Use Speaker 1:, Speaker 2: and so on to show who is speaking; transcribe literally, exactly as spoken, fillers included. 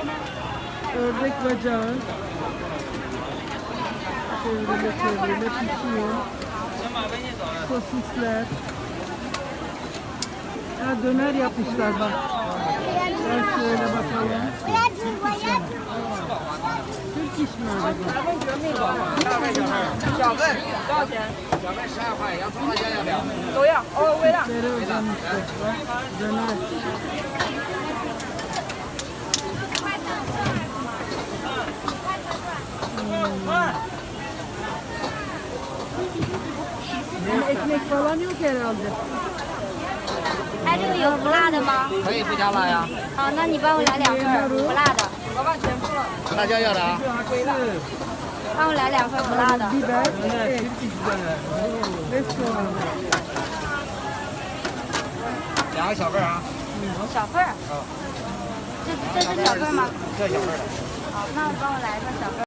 Speaker 1: Ördek bacağı. Çevrile çevrile pişiyor. Sosisler. Ha, döner yapmışlar bak. Gel şöyle bakalım. Türk iş mi acaba?
Speaker 2: 小份多少钱？小份十二块，洋葱辣椒要不要？
Speaker 3: 都要，哦，微辣。
Speaker 1: Türklere özenmişler. Bak, döner. Hmm. Ekmek falan yok herhalde.
Speaker 4: 哎，这个有不辣的吗？
Speaker 2: 可以不加辣呀。
Speaker 4: 好，那你帮我来两份儿不辣的，
Speaker 3: 老板全付了。
Speaker 2: 辣椒要的啊。
Speaker 4: 帮我来两份不辣的。
Speaker 1: Biber, et ve soğan.
Speaker 2: 两个小份啊。
Speaker 4: 小份儿。这这是小份儿吗？
Speaker 2: 这小份的。
Speaker 4: 好，那帮我来一份小份儿。